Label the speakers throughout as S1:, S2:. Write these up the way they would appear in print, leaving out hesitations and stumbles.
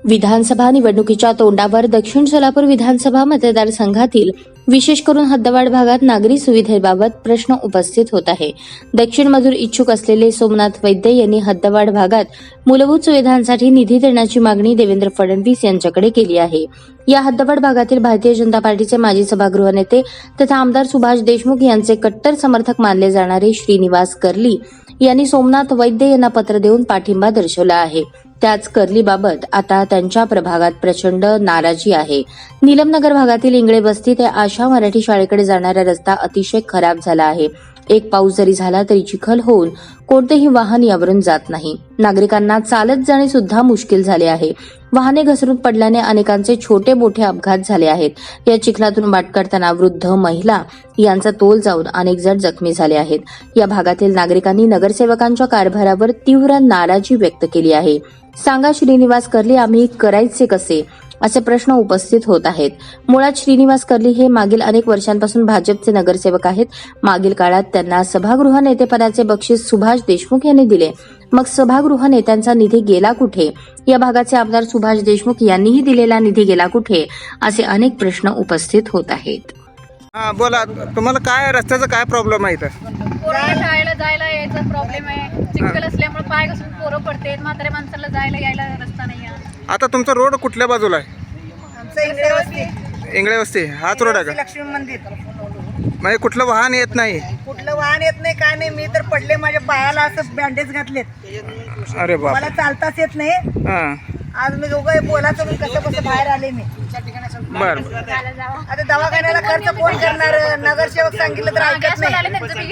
S1: विधानसभा निवडणुकीच्या तोंडावर दक्षिण सोलापूर विधानसभा मतदारसंघातील विशेष करून हद्दवाढ भागात नागरी सुविधेबाबत प्रश्न उपस्थित होत आहे। दक्षिण मजूर इच्छुक असलेले सोमनाथ वैद्य यांनी हद्दवाढ भागात मूलभूत सुविधांसाठी निधी देण्याची मागणी देवेंद्र फडणवीस यांच्याकडे केली आहे। या हद्दवाढ भागातील भारतीय जनता पार्टीचे माजी सभागृह नेते तथा आमदार सुभाष देशमुख यांचे कट्टर समर्थक मानले जाणारे श्रीनिवास कर्ली यांनी सोमनाथ वैद्य यांना पत्र देऊन पाठिंबा दर्शवला आहे। त्याच कर्लीबाबत आता त्यांच्या प्रभागात प्रचंड नाराजी आहे। नीलमनगर भागातील इंगळे बस्ती ते आशा मराठी शाळेकडे जाणारा रस्ता अतिशय खराब झाला आहे। एक पाऊस जरी झाला तरी चिखल होऊन कोणतेही वाहन यावरून जात नाही। नागरिकांना चालत जाणे सुद्धा मुश्किल झाले आहे। वाहने घसरून पडल्याने अनेकांचे छोटे मोठे अपघात झाले आहेत। या चिखलातून वाट करताना वृद्ध महिला यांचा तोल जाऊन अनेक जण जखमी झाले आहेत। या भागातील नागरिकांनी नगरसेवकांच्या कारभारावर तीव्र नाराजी व्यक्त केली आहे। सांगा श्रीनिवास कर्ली, आम्ही करायचे कसे, असे प्रश्न उपस्थित होत आहेत। मुळात श्रीनिवास कर्ली हे मागील अनेक वर्षांपासून भाजपचे नगरसेवक आहेत। मागील काळात त्यांना सभागृह नेतेपदाचे बक्षीस सुभाष देशमुख यांनी दिले। मग सभागृह नेत्यांचा निधी गेला कुठे? या भागाचे आमदार सुभाष देशमुख यांनीही दिलेला निधी गेला कुठे? असे अनेक प्रश्न उपस्थित होत आहेत।
S2: बोला, तुम्हाला काय रस्त्याचा काय प्रॉब्लेम आहे इथं?
S3: पोरांना शाळेला जायला यायचा प्रॉब्लेम आहे। चिखल असल्यामुळे पाय घसरून पोरं पडतात। म्हाताऱ्या माणसाला जायला यायला रस्ता नाही आहे।
S2: आता तुमचा रोड कुठल्या बाजूला आहे?
S4: आमचं इंगळे वस्ती,
S2: इंगळे वस्ती हाच रोड आहे का?
S4: लक्ष्मी मंदिर।
S2: म्हणजे कुठलं वाहन येत नाही?
S4: कुठलं वाहन येत नाही, काय नाही। मी तर पडले, माझ्या पायाला असं बँडेज घातलेत।
S2: अरे बाप,
S4: मला चालताच येत नाही। आज मी दोघं बोलायचं म्हणून कसं बाहेर आले मी।
S2: बर,
S4: आता दवाखान्याला खर्च कोण करणार? नगरसेवक सांगितलं तर ऐकत नाही।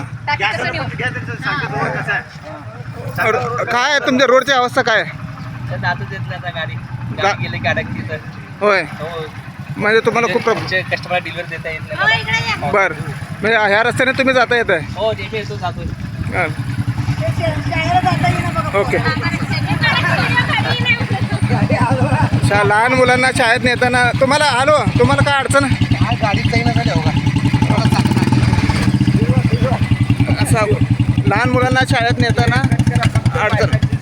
S2: काय आहे तुमच्या रोडची अवस्था काय आहे? होय, म्हणजे तुम्हाला खूप प्रॉब्लेम?
S5: कस्टमर डिलिव्हर देता येत नाही।
S2: बर, म्हणजे ह्या रस्त्याने तुम्ही जाता येत आहे?
S5: हो, नेहमी येतो जातो।
S4: शाळेला जाता येईना बघा।
S2: ओके, लहान मुलांना शाळेत नेताना तुम्हाला तुम्हाला काय अडचण आहे? असं लहान मुलांना शाळेत नेताना अडचण